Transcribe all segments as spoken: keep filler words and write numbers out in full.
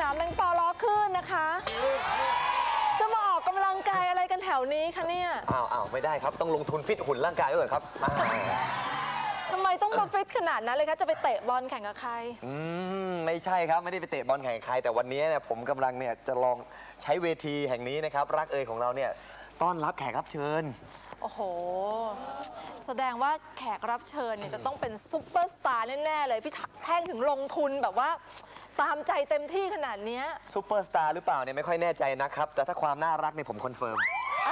ามแมงปอล้อขึ้นนะคะจะมาออกกำลังกายอะไรกันแถวนี้คะเนี่ยอ้าวอ้าวไม่ได้ครับต้องลงทุนฟิตหุ่นร่างกายไว้ก่อนครับทำไมต้องมาฟิตขนาดนั้นเลยคะจะไปเตะบอลแข่งกับใครอืมไม่ใช่ครับไม่ได้ไปเตะบอลแข่งกับใครแต่วันนี้เนี่ยผมกำลังเนี่ยจะลองใช้เวทีแห่งนี้นะครับรักเอยของเราเนี่ยต้อนรับแขกรับเชิญโอ้โหแสดงว่าแขกรับเชิญเนี่ยจะต้องเป็นซุปเปอร์สตาร์แน่ๆเลยพี่แท่งถึงลงทุนแบบว่าตามใจเต็มที่ขนาดนี้ซุปเปอร์สตาร์หรือเปล่าเนี่ยไม่ค่อยแน่ใจนะครับแต่ถ้าความน่ารักเนี่ยผมคอนเฟิร์ม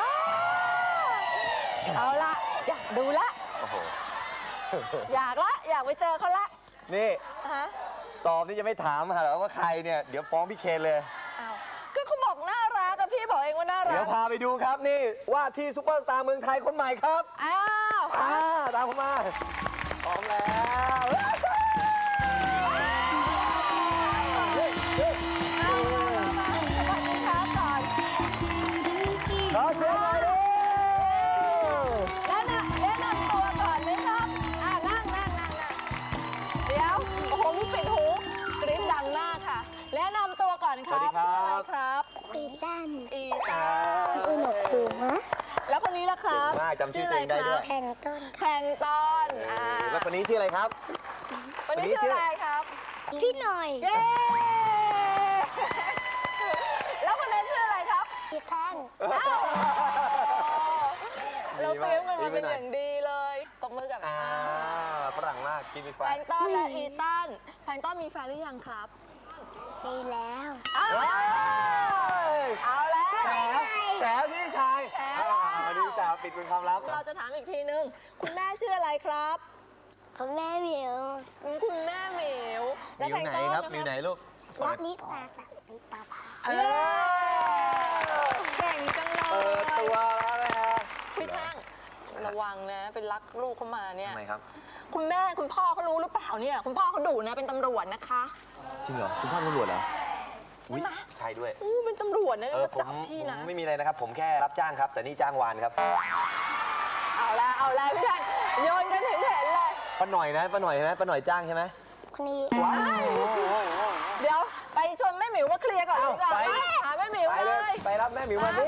เอาละอยากดูละอยากละอยากไปเจอเขาละนี่ฮะตอบนี่จะไม่ถามหรอว่าใครเนี่ยเดี๋ยวฟ้องพี่เคนเลยอ้าวก็เขาบอกน่ารักกับพี่บอกเองว่าน่ารักเดี๋ยวพาไปดูครับนี่ว่าที่ซุปเปอร์สตาร์เมืองไทยคนใหม่ครับอ้าวอ่าตามผมมาพร้อมแล้วขอเสียงหน่อยดิแนะนำแนะนำตัวก่อนไหมครับอ่านั่งนั่งนั่งนั่งเดี๋ยวโอ้โหมีปิดหูกรี๊ดดังมากค่ะแนะนำตัวก่อนครับสวัสดีครับครับอีตันอีตันอุณหภูมิฮะแล้วคนนี้ล่ะครับจำชื่อตัวเองได้ด้วยแพงต้นแพงต้นอ่าแล้วคนนี้ชื่ออะไรครับคนนี้ชื่ออะไรครับพี่หน่อยเย้แล้วคนนั้นชื่ออะไรครับพี่แท่งเราเตรียมกันมาเป็นอย่างดีเลยตบมือกับอ่าฝรั่งมากกินมีไฟแพงต้นและอีตันแพงต้นมีแฟนหรือยังครับมีแล้วเอาแล้วแฉพี่ชายมาดูสาวปิดเป็นความลับเราจะถามอีกทีนึงคุณแม่ชื่ออะไรครับคุณแม่หมิวคุณแม่หมิวมิวไหนครับมิวไหนลูกวัดลิตาสักสิปาภาเก่งจังเลยเปิดตัวแล้วนะฮะพี่แท่งระวังนะเป็นรักลูกเข้ามาเนี่ยทำไมครับคุณแม่คุณพ่อเขารู้หรือเปล่าเนี่ยคุณพ่อเขาดุนะเป็นตำรวจนะคะจริงเหรอคุณพ่อตำรวจเหรอใช่ไหมใช่ด้วยอู้เป็นตำรวจนะมาจับพี่นะไม่มีอะไรนะครับผมแค่รับจ้างครับแต่นี่จ้างวานครับเอาละเอาละพี่แท่งโยนกันเห็นเห็นเลยป้าหน่อยนะป้าหน่อยใช่ไหมป้าหน่อยจ้างใช่ไหมคนนี้เดี๋ยวไปชวนแม่หมิวมาเคลียร์ก่อนดีกว่าหาแม่หมิวเลยไปรับแม่หมิวมาดิ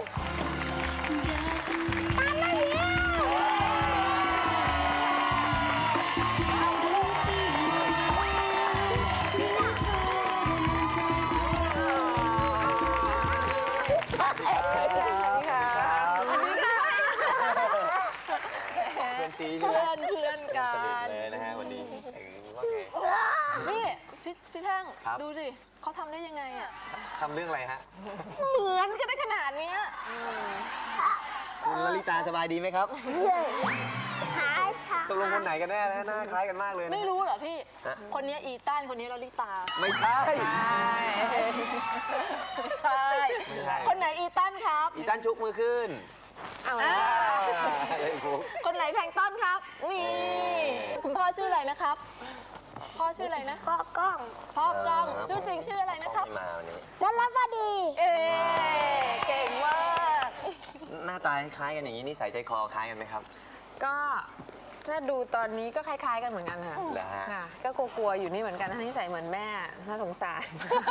เพื่อนเพื่อนกันเลยนะฮะวันนี้นี่พี่พี่แท่งดูสิเขาทำได้ยังไงอ่ะทำเรื่องอะไรฮะเหมือนกันได้ขนาดนี้คุณลลิตาสบายดีไหมครับคล้ายค่ะตกลงคนไหนกันแน่นะหน้าคล้ายกันมากเลยไม่รู้เหรอพี่คนนี้อีตันคนนี้ลลิตาไม่ใช่ใช่คนไหนอีตันครับอีตันชุกมือขึ้นคนไหนแพงต้นครับนี่คุณพ่อชื่ออะไรนะครับพ่อชื่ออะไรนะพ่อกล้องพ่อกล้องชื่อจริงชื่ออะไรนะครับรัลบดีเอ๊เก่งมากหน้าตาคล้ายกันอย่างนี้นิสัยใจคอคล้ายกันไหมครับก็ถ้าดูตอนนี้ก็คล้ายๆกันเหมือนกันค่ะค่ะก็กลัวๆอยู่นี่เหมือนกันนิสัยเหมือนแม่น่าสงสาร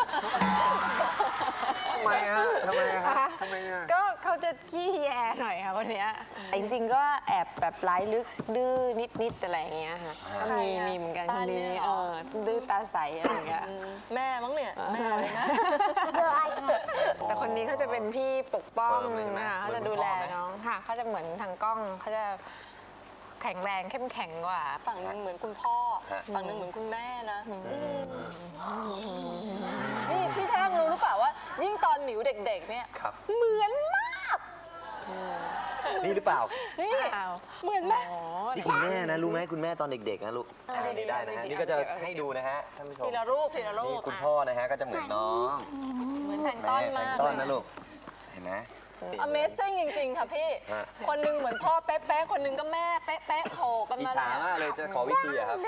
ทำไมฮะทำไมคะทำไมอ่ะก็เขาจะขี้แยหน่อยค่ะคนนี้จริงๆก็แอบแบบร้ายลึกดื้อนิดๆอะไรอย่างเงี้ยค่ะก็มีมีเหมือนกันคนนี้เออดื้อตาใสอะไรอย่างเงี้ยแม่มั้งเนี่ยแม่อะไรนะแต่คนนี้เขาจะเป็นพี่ปกป้องนะคะเขาจะดูแลน้องค่ะเขาจะเหมือนทางกล้องเขาจะแข็งแรงเข้มแข็งกว่าฝั่งนึงเหมือนคุณพ่อฝั่งนึงเหมือนคุณแม่นะนี่พี่แท่งรู้หรือเปล่าว่ายิ่งตอนหมิวเด็กๆเนี่ยเหมือนมากนี่หรือเปล่านี่เหมือนแม่นี่คุณแม่นะรู้ไหมคุณแม่ตอนเด็กๆนะลูกได้นะฮะนี่ก็จะให้ดูนะฮะท่านผู้ชมทีละรูปทีละรูปนี่คุณพ่อนะฮะก็จะเหมือนน้องเหมือนแพงต้นมากต้นนะลูกเห็นไหม Amazing จริงๆค่ะพี่คนนึงเหมือนพ่อเป๊ะๆคนนึงก็แม่เป๊ะๆโผล่กันมาอิจฉามากเลยจะขอวิธีอะครับ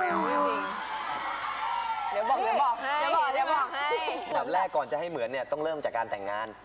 เดี๋ยวบอกเดี๋ยวบอกให้เดี๋ยวบอกเดี๋ยวบอกให้แบบแรกก่อนจะให้เหมือนเนี่ยต้องเริ่มจากการแต่งงาน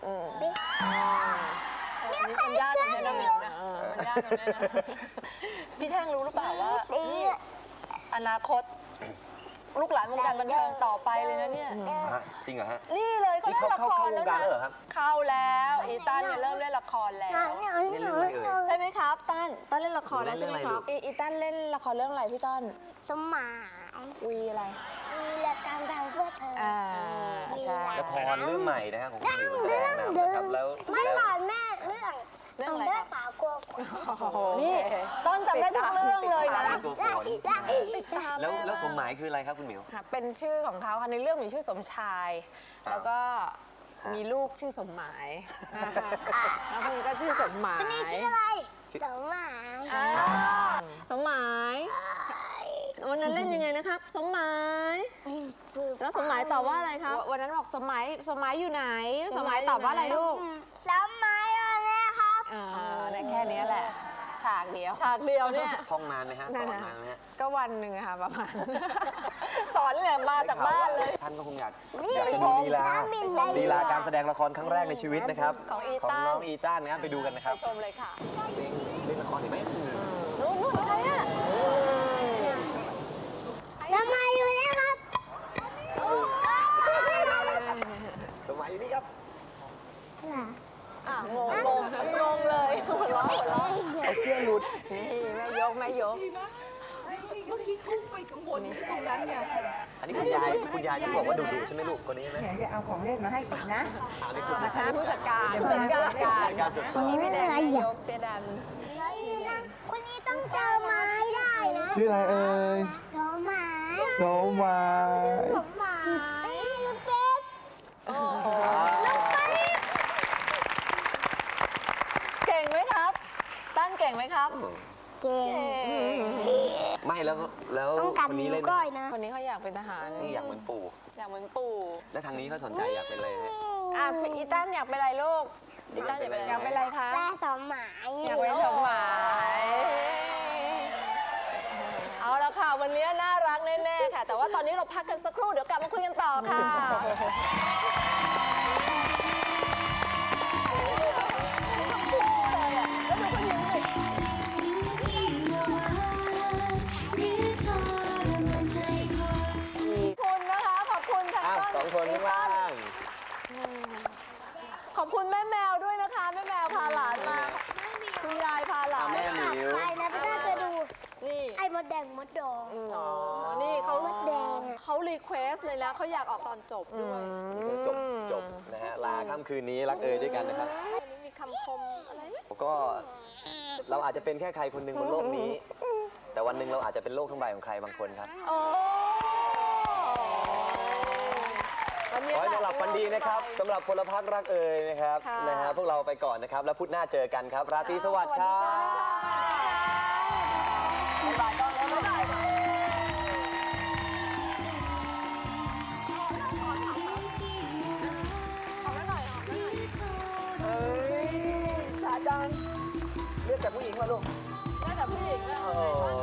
มันยากตรงนี้นะมันยากตรงนี้นะพี่แท่งรู้หรือเปล่าว่าอนาคตลูกหลานวงการบันเทิงต่อไปเลยนะเนี่ยฮะจริงเหรอฮะนี่เลยเขาเล่นละครนี่แล้วเข้าเข้าวงการนะแล้วเหรอครับเข้าแล้วอีตันเนี่ยเริ่มเล่นละครแล้วนี่เรื่องอะไรเอ่ยใช่ไหมครับตันตันเล่นละครแล้วเล่ใช่นไหมเรื่องคอะไรรับลูกอีอีตันเล่นละครเรื่องอะไรพี่ต้นสมายวีอะไรวีรกรรมทางเพื่อเธออ่าใช่ละครเรื่องใหม่นะฮะของคุณหมิวแสดงนำนะครับแล้วไม่แล้วก่อนแม่เรื่องเรื่องอะไรเรื่คอรังบสาวกลัวฝนโอ้โหนี่ต้นจำได้ทุกเรื่องเลยนะตัวฝได้นอีกได้อีกติดตามแล้วม่แล้วสมหมายคืออะไรครับคุณหมิวค่ะเป็นชื่อของเขาค่ะในเรื่องมีชื่อสมชายอ้าวแล้วก็ฮะมีลูกชื่อสมหมายแล้วคนนี้ก็ชื่อสมหมายคนนี้ชื่ออะไรสมายอ่าสมหมายวันนั้นเล่นยังไงนะครับ สมหมาย แล้วสมหมายตอบว่าอะไรครับวันนั้นบอกสมหมายสมหมายอยู่ไหน สมหมายตอบว่าอะไรลูกสมายอะไรครับอ่าเออเนี่ยแค่นี้แหละ ฉากเดียวฉากเดียวเนี่ยท่องนานไหมฮะสอนนานไหมฮะก็วันหนึ่งอะค่ะประมาณสอนเนี่ยมาจากบ้านเลยท่านก็คงอยากนี่อยากไปจะชดูมลีลาไปชมลีลาการแสดงละครครั้งแรกในชีวิตนะครับของอีของตันน้องอีตันนะครับไปดูกันนะครับชมเลยค่ะเล่นละครเห็นไหมนู่นนู่นใครอ่ะสมายอยู่เนี่ยครับสมัยนี้ครับอ่ะงงงงงงเลยหัวเราะหัวเราะเอาเสื้อหลุดนี่แม่ยกแม่ยกเมื่อกี้เขาไปกังวลตรงนั้นไงอันนี้คุณยายคุณยายที่บอกว่าดุดุใช่ไหมลูกคนนี้ไหมเดี๋ยวจะเอาของเล่นมาให้อีกนะอันนี้คุณอันนี้ผู้จัดการผู้จัดการการการสุดวันนี้พี่แดงแม่ยกเตี้ยดันคนนี้ต้องเจอไม้ได้นะชื่ออะไรเอ่ยสมายโสมายสมายลูกเป็ดเก่งไหมครับ ตั้นเก่งไหมครับเก่งไม่แล้วแล้วต้องกัดคนนี้นิ้วเล่นก้อยนะคนนี้เขาอยากเป็นทหารนี่อยากเหมือนปู่อยากเหมือนปู่แล้วทางนี้เขาสนใจอยากเป็นอะไรฮะอ่ะอีตันอยากเป็นอะไรลูกอีตันอยากเป็นอะไรอยากเป็นอะไรคะแม่สมายอยากเป็นสมหมายเอาละค่ะ วันนี้น่ารักแน่ๆค่ะ แต่ว่าตอนนี้เราพักกันสักครู่ เดี๋ยวกลับมาคุยกันต่อค่ะ คุณนะคะ ขอบคุณทางอ้าวต้นสองคนข้างล่างขอบคุณแม่แมวด้วยนะคะ แม่แมวพาหลานมา คุณยายพาหลานแม่หมิวไปนะพี่น่าจะดูนี่ไอ้มดแดงมดดองอ๋อ นี่เขามดแดงอะเขารีเควสเลยนะ เขาอยากออกตอนจบด้วยจบจบนะฮะลาค่ำคืนนี้รักเอ่ยด้วยกันนะครับวันนี้มีคำคมอะไรไหมก็เราอาจจะเป็นแค่ใครคนหนึ่งบนโลกนี้ แต่วันหนึ่งเราอาจจะเป็นโลกทั้งใบของใครบางคนครับโอ้วันนี้ขอให้แหนละอนหลับฝันดีนะครับสำหรับพลพักรักเอ่ยนะครับค่ะนะฮะพวกเราไปก่อนนะครับ แล้วพุธหน้าเจอกันครับ ราตรีสวัสดิ์ครับบ๊ายบายก่อนแล้วบ๊ายบายค่ะขอหน่อยขอหน่อยเอ้ยสาจังเรียกแต่ผู้หญิงมาลูกน่าจะผู้หญิงนะโอ้โห